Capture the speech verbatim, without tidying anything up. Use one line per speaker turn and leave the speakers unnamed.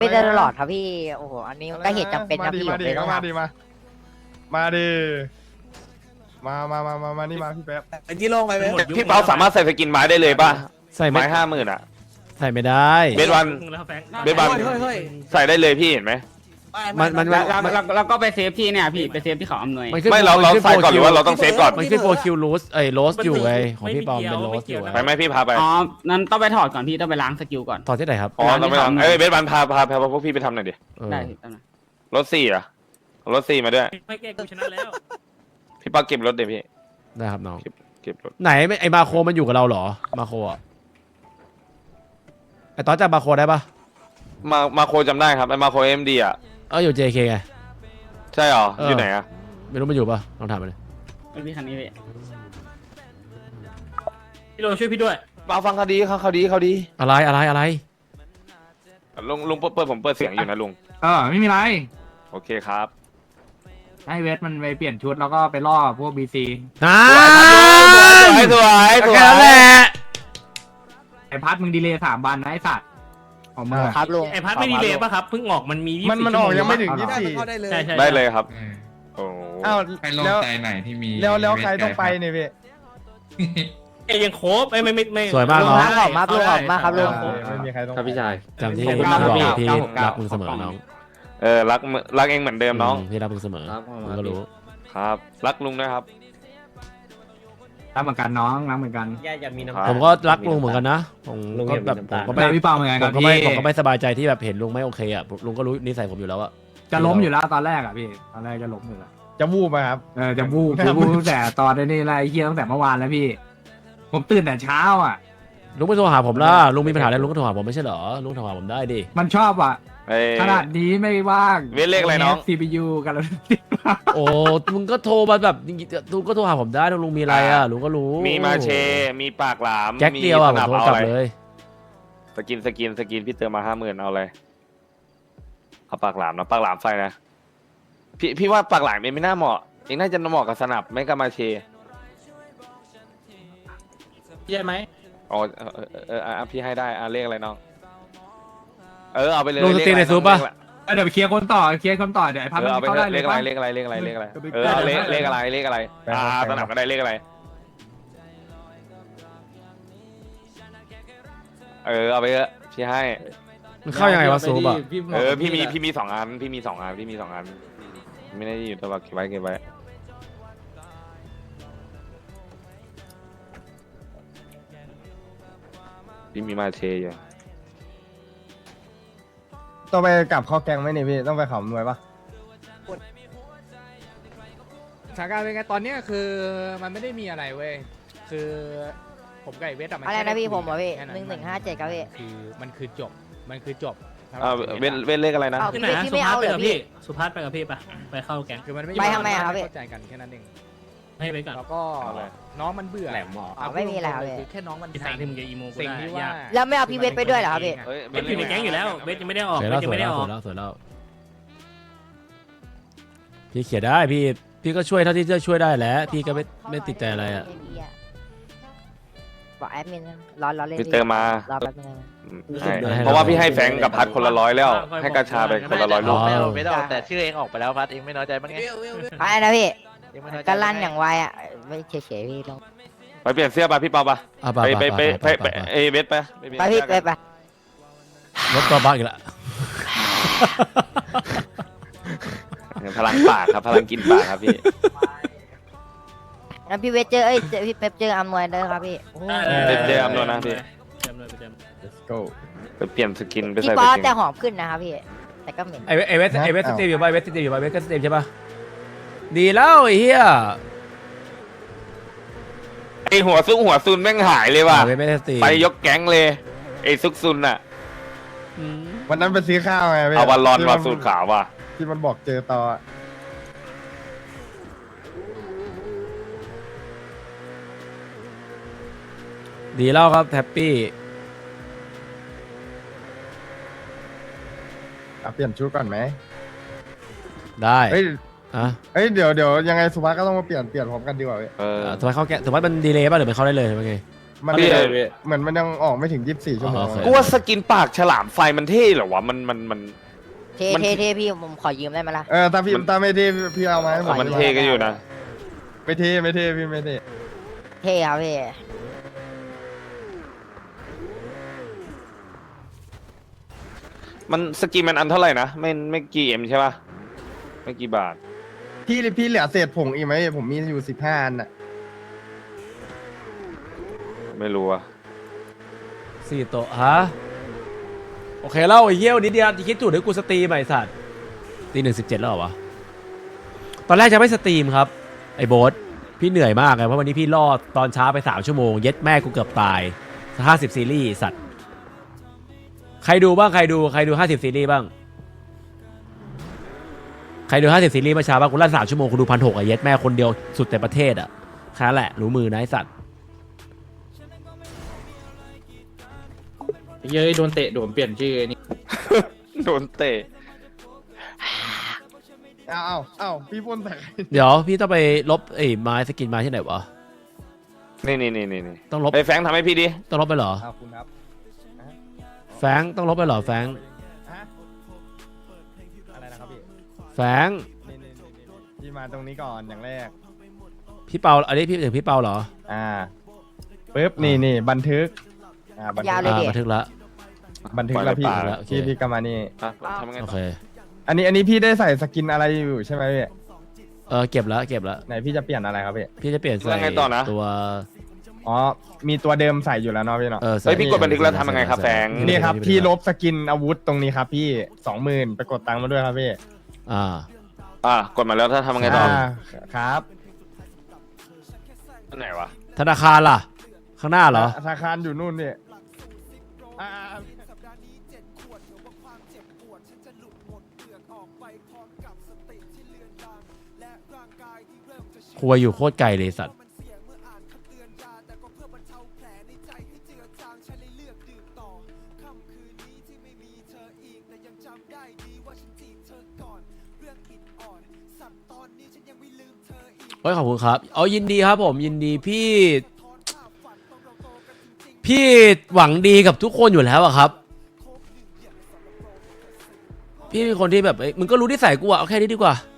ไม่ได้ตลอดครับพี่โอ้โหอันนี้ก็เหตุจำเป็นนะพี่ผมเลยต้อง
มา
ทำ
ดิมามาดิมามามามามานี่มาพี่แป๊บ
ไอ้ที่โล่งไปไหม
พี่เปาสามารถใส่สกินไม้ได้เลยป่ะ
ใส่ไม่
ไม้ห้าหมื่นอ่ะ
ใส่ไม่ได้
เบสวันเบสวัน
เฮ้ยเฮ้ย
ใส่ได้เลยพี่เห็นไหม
มันมัน
แล้วแล้วแล้วแล้วก็ไปเซฟที่เนี่ยพี่ไปเซฟที่เขาอำนวย
นขึ้น
ไม่เราเราใส่ก่อนหรือว่าเราต้องเซฟก่อน
มันขึ้นโปรคิวโรสเอ้ยโรสอยู่ไงของพี่ปอมเป็นโรสอยู่
ไปไหมพี่พาไป
อ๋อนั้นต้องไปถอดก่อนพี่ต้องไปล้างสกิลก่อน
ถอดที่ไหนครับ
อ๋อเราไม่ทำเอ้ยเบสวันพาพาพาพวกพี่ไปทำหน่อยดิ
เออ
ได้พี่แป๊บนึง
รถสี่อ่ะรถสี่มาด้วย
ไม่แก้กูชนะแล้ว
พี่ปาเก็บรถเดี๋ยวพี่
ได้ครับน้อง
เก็บรถ
ไหนไม่ไอมาโคมันอยู่กับเราเหรอมาโคอ่ะไอตอนจำมาโคได้ปะ
มามาโคจำได้ครับไอ้มาโคเอ็มดีอ่ะ
เอออยู่ เจ เค ไง
ใช่หรอ
เออ
อ
อ
ยู่ไหนอ่ะ
ไม่รู้มันอยู่ปะลองถามมันเลย
ไม่พี่คันนี้พี่
พี่โรช่วยพี่ด้วย
มาฟังคดีเขาคดีเขาดี
อะไรอะไรอะไร
ลุงลุงเปิดเปิดผมเปิดเสียงอยู่นะลุง
เออไม่มีไร
โอเคครับ
ให้เวทมันไปเปลี่ยนชุดแล้วก็ไปล่อพวกบีซี
น้า
สวยสวยสวย
แค่นั้นแหละ
ไอพัดมึงดีเลย์สามวันนะไอสัตว์ของมึงอะ
ครับลุง
ไอพัดไม่ดีเลยป่ะครับเพิ่งออกมันมี
มันมันออกยังไม่ถึง
เอาเหร
ยี่
อ
สิบสี่
เข้าได้เลย
ใช่ใช่
ได้เลยครับ
เออ
โอ้
อ้าว
ให้โล่ง
แล้ว
ใจหน่อยที่มี
แล้วแล้วใคร
เวท
ต้องไป
ไกล
เนี่ยพี่
เอ้ยยังโคบไอ้ไม่ไม่ไม่
สวยมาก
ลุง
น้อง
ครับขอบมากลุงขอบมากครับลุง
ไม่มีใครต้อง
ครับพี่ชายจำที่
ขอบคุ
พี่
ณ
บ
มาก
อก
พี่
พี่
เก้าหกเก้า
รักมึงเสมอน้อง
เออรักมึงรักเองเหมือนเดิมน้อง
พี่รักมึงเสมอมึงก็รู้
ครับ รักลุงนะครับ
รักเหมือนกันน้องรักเหมือนกัน
ย่าอย่ามี
ครั
น้ำ
บ
ผมก็รักลุงเหมือนกันนะผมก็แบบผมก็ไม่
แต่พี่เปาเหมือนกัน
ผ
ครั
ม
บ
ก็ไม่
พี่
ผมก็ไม่สบายใจที่แบบเห็นลุงไม่โอเคอ่ะลุงก็รู้นิสัยผมอยู่แล้วอะ
จะล้มอยู่แล้วตอนแรกอ่ะพี่ตอนแรกจะล้มอยู่แล้ว
จะวูบไหมครับ
เออจะบูบจะบูบตั้งแต่ตอนนี้อะไรเฮียตั้งแต่เมื่อวานแล้วพี่ ผมตื่นแต่เช้าอ่ะ
ลุงไม่โทรหาผมล่ะลุงมีปัญหาอะไรลุงก็โทรหาผมไม่ใช่เหรอลุงโทรหาผมได้ดิ
มันชอบอ่ะ
เอ้ย
ขนาดนี้ไม่ว่าง
เวทเลขอะไรน้อง
ซีพียูกันแล้ว
โอ้มึงก็โทรมาแบบลุงก็โทรหาผมได้ลุงมีอะไรอ่ะลุงก็รู้
มีมาเช มีปากหลาม
แจ็คเดียวอ่ะผม
สนับ
โทร
เอา
กลับ
อะไร
เลย
สกินสกินสกินพี่เติมมาห้าหมื่นเอาอะไรเอาปากหลามนะปากหลามไฟนะพี่พี่ว่าปากหลามเองไม่น่าเหมาะเองน่าจะเหมาะกับสนับไม่กับมาเช
ใช่ไหม
อ๋อเออเออเออเอออ่ะพี่ให้ได้อ่ะเลขอะไรน้องเออเอาไปเลย
ลุงสตรีมใน
เลขอะไร
ซูปปะ
เลขอะไร
เดี๋ยวไปเคลียร์คนต่อเคลียร์คนต่อเดี๋ยวไอ้พัด
เอ
มั
อน เอาไป
เข้าได้เล
เลย ขอะไร
ปะ
เลขอะไรเลขอะไรเลขอะไร
เออ
เออเอาเลข
ได้
เลขอะไรเลขอะไรอ่าสนับก็ได้เลขอะไรเออเอาไปเถอะพี่ให้
มันเข้ายังไงวะซูปอ่ะ
เออพี่มีพี่มีสองอันพี่มีสองอันพี่มีสองอันไม่ได้อยู่ตลอดเก็บไว้เก็บไว้พี่มีมาเชยอยู่
ต้องไปกลับข้อแกงไหมนี่พี่ต้องไปเขาหน่วยปะ
สถานการณ์เป็นไงตอนเนี้ยคือมันไม่ได้มีอะไรเว้ยคือผมกับไอ้เวทอะมัน
อะไร
แค่
นะพี่
ด้
ผมเหรอพี่
แค่
หนึ่งหนึ่งห้าเจ็ดครับพี่
คือมันคือจบมันคือจบ
อ่าเว้นเว้นเลขอะไรนะ
เอา
ที่ไหนอะ
พี่
สุ
ไม่
ภัส
เอา
ไป
เหรอ
กับ
พี่
พี่สุภัสไปกับพี่ปะไปเข้าแก๊ง
คือมันไม่
ไปทำไมอะครับพี่
เข้าใจกันแค่นั้นเอง
ให้ไปก่อน
แล้วก็
เอาเลย
น้องมันเบื่อ
แหลมหมอ
เา
ไม่มีอะไร
พูดตงๆ
เลย
คือแค่น้องมัน
ที่ทางที่มึงจะอีโมกู
สิ่ง
ได้
ที่ว่าย
าก
แล้วไม่เอาพี่เวทไปด้วยเหรอครับพี่
เฮ้ย
เวทอยู่ในแก๊งอยู่แล้วเวทยังไม่ได้ออก
สวย
เว
แล้ว
ท
ส
ยัง
วย
ไม่ได้
แล้ว
อ
ส
อ
วย
ก
แล้วสวยแล้วพี่เขียนได้พี่พี่ก็ช่วยเท่าที่จะช่วยได้แหละพี่ก็ไม่ไม่ติดใจอะไรอ่ะ
บอกแอดมินรอรอเล่น
พี่เติมมา
รอแป๊บนึงนะ
ใช่เพราะว่าพี่ให้แฟงกับพัดคนละร้อยแล้ว ให้กระชาไปคนละร้อยลูก
อ๋อ
ไม่ได้ออกแต่ชื่อเองออกไปแล้วพัดเองไม่น้อยใจบ้างไง
อะไรนะพี่
เองไม่น้อยใจ
ก็ลั่นอย่างไวอ่ะไม่เฉยๆพี่ลง
ไปเปลี่ยนเสื้อไปพี่เปาปะ
อ่ะ
ไปไปไปไปไป
ไป
เอเวสไปเปลี่ยน
ไปพี่
เสื้อ
ไป
กัน
ไป
รถตัวบ้าอีกแล้ว
พลังปากครับพลังกินปากครับพี่
งั้นพี่เวทเจอเอ้ยเจอพี่เป๊ปเจออำนวยเลยครับพี่
เจอเจออำนวยนะพี่
เจออำนวยไปเจอ
let's go
ไปเปลี่ยนสกินไป
พี่
ใส่
ป๊
ส
อ
กิน
แต่หอมขึ้นนะครับพี่แต่ก็เหม็น
ไอเวไอเวสไอเวสสตรีมอยู่ป่ะไอเวสสตรีมอยู่ป่ะไอเวสก็สตรีมใช่ป่ะดีแล้วไอ้เหี้ย
ไอหัวซุกหัวซุนแม่งหายเลยว่ะ
ไอเวสไม่ได้สตรีม
ไปยกแก๊งเลยไอซุกซุนอะ
อืม
วันนั้นไปซื้อข้าวไงพี่
เอาวันรอน
ที่
มาสูตรขาวว่ะ
ที่มันบอกเจอต่ออะ
ดีแล้วครับแฮปปี้
อ่ะเปลี่ยนชุดก่อนไหม
ได้
เฮ้ย
อ่ะ
เฮ้ยเดี๋ยวเดี๋ยวยังไงสุภาพก็ต้องมาเปลี่ยนเปลี่ยนพร้อมกันดีกว่าพี่
เออ
สมมติเขาแกสมมติมันดีเลย์ป่ะหรือมันเข้าได้เลยเป็นไง
มัน
พี่
เหมือนมันยังออกไม่ถึงยี่สิบสี่ชั่วโมง
อ๋อโอเค
กูว่าสกินปากฉลามไฟมันเท่เหรอวะมันมันมัน
เท่
มัน
เท่เท่พี่ผมขอยืมได้ไหมล่ะ
เออถ้าพี่ถ้าไม่เท่พี่เอามาให้ผม
มันเท่ก็อยู่นะ
ไม่เท่ไม่เท่พี่ไม่เท่
เท่ครับพี่
มันสกินมันอันเท่าไหร่นะไม่ไม่กี่เอ็มใช่ป่ะไม่กี่บาท
พี่พี่เหลือเศษผงอีกไหมผมมีอยู่สิบห้าอันอ่ะ
ไม่รู้อะ
สี่โต๊ะฮะโอเคแล้วไอ้เหี้ยวันนี้เดียวคิดจุดให้กูสตรีมใหม่สัตว์ตีหนึ่งสิบเจ็ดแล้วเหรอวะตอนแรกจะไม่สตรีมครับไอ้โบ๊ทพี่เหนื่อยมากเลยเพราะวันนี้พี่รอดตอนเช้าไปสามชั่วโมงเย็ดแม่กูเกือบตายห้าสิบซีรีส์สัตว์ใครดูบ้างใครดูใครดูห้าสิบซีรีส์บ้างใครดูห้าสิบซีรีส์เมื่อเช้าบ้างกูลั่นสามชั่วโมงกูดูพันหกอะเย็ดแม่คนเดียวสุดในประเทศอะแค่นั้นแหละรู้มือนะไอ้สัตว์
เย้ยโดนเตะโดนเปลี่ยนชื่อนี่
โดนเตะ
อ้าวอ้าวอ้าวพี่พ่นใส่
เดี๋ยวพี่ต้องไปลบไอ้ไม้สกินไม้ที่ไหนวะ
นี่นี่นี่นี่นี่
ต้องลบ
ไอ้แฟรงค์ทำให้พี่ดิ
ต้องลบไปเหรอ
ขอบคุณครับ
แฟงต้องลบไปเหรอแฟง
ฮะอะไรนะครับพี่
แฟง
นี่นี่นี่นี่พี่มาตรงนี้ก่อนอย่างแรก
พี่เปาอันนี้พี่ถึงพี่เปาเหรอ
อ่าปึ๊บนี่นี่บันทึกอ่าบันทึ
ยาว
ก
เลย
อ่า
ดิ
บันทึกละ
บันทึกแล้วพี่
ปล่อยแล้วโอเค
พี่พี่กำมานี่
อ่ะทำไง
โอ
ต่อ
เค
อันนี้อันนี้พี่ได้ใส่สกินอะไรอยู่ใช่ไหมพี่
เออเก็บแล้วเก็บแล้ว
ไหนพี่จะเปลี่ยนอะไรครับพี่
พี่จะเปลี่ยน
แล้
ใส่
วไงต่อนะ
ตัว
อ๋อมีตัวเดิมใส่อยู่แล้วเนาะพี่เนาะ
เออใส่
เฮ้ยพี่กดบันทึกแล้วทำยังไงครับแฟรงค์
นี่ครับพี่ลบสกินอาวุธตรงนี้ครับพี่สองหมื่นไปกดตังค์มาด้วยครับพี่
อ่า
อ่ะกดมาแล้วถ้าทำยังไงต่อ
อ่าครับ
อันไหนวะ
ธนาคารล่ะ ข้างหน้าเหรอ
ธนาคารอยู่นู่นพี่อ่า
ครัวอยู่โคตรไกลเลยสัตว์เฮ้ยขอบคุณครับเอายินดีครับผมยินดีพี่ พี่หวังดีกับทุกคนอยู่แล้วอะครับ พี่เป็นคนที่แบบเอ้ยมึงก็รู้ที่ใส่กูอะเอาแค่นี้ดีกว่า